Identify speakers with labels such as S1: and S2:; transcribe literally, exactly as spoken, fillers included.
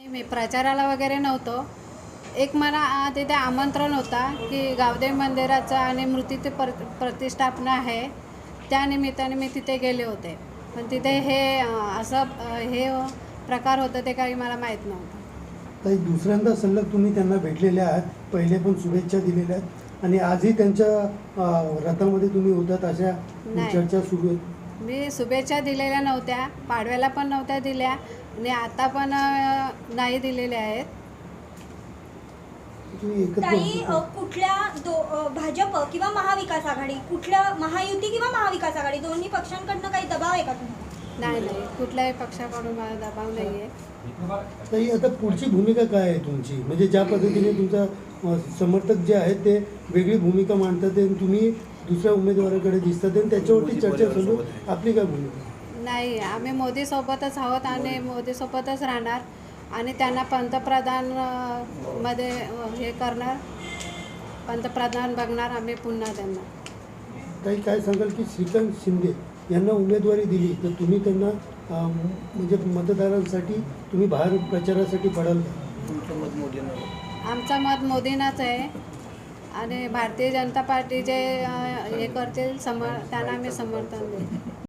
S1: मी प्रचाराला वगैरे नव्हतो. एक मला आ, तिथे आमंत्रण होता की गावदेवी मंदिराचं आणि मूर्तीची पर प्रतिष्ठापना आहे, त्या निमित्ताने मी तिथे गेले होते. पण तिथे हे अ, असं अ, हे प्रकार होतं ते काही मला माहीत नव्हतं.
S2: ताई, दुसऱ्यांदा सलग तुम्ही त्यांना भेटलेले आहात. पहिले पण शुभेच्छा दिलेल्या आहेत आणि आजही त्यांच्या अ, रथामध्ये तुम्ही होतात अशा
S1: नाही.
S2: चर्चा सुरू आहेत.
S1: मी शुभेच्छा दिलेल्या नव्हत्या, पाडव्याला पण नव्हत्या दिल्या आणि आता पण अ, नाही दिलेल्या आहेत.
S2: तुम्ही एकत्र
S3: ताई,
S2: होता.
S3: अ, कुठल्या दो अ, भाजप किंवा महाविकास आघाडी, कुठल्या महायुती किंवा महाविकास आघाडी दोन्ही पक्षांकडनं काही दबाव आहे का तुम्हाला?
S1: नाही नाही कुठल्याही पक्षाकडून मला दबाव नाही आहे.
S2: ताई, आता पुढची भूमिका काय आहे तुमची? म्हणजे ज्या पद्धतीने तुमचा अ, समर्थक जे आहेत ते वेगळी भूमिका मांडतात आणि तुम्ही दुसऱ्या उमेदवाराकडे दिसतात आणि त्याच्यावरती चर्चा चालू. आपली काय भूमिका?
S1: नाही, आम्ही मोदीसोबतच आहोत आणि मोदीसोबतच राहणार आणि त्यांना पंतप्रधान अ, मध्ये अ, हे करणार, पंतप्रधान बघणार आम्ही पुन्हा त्यांना.
S2: ताई, काय सांगाल की श्रीकांत शिंदे यांना उमेदवारी दिली तर तुम्ही त्यांना अ, म्हणजे मतदारांसाठी तुम्ही बाहेर प्रचारासाठी पडाल का?
S4: तुमचं मत मोदींना.
S1: आमचं मत मोदींनाच आहे आणि भारतीय जनता पार्टी जे अ, हे करतील समर त्यांना आम्ही समर्थन देऊ.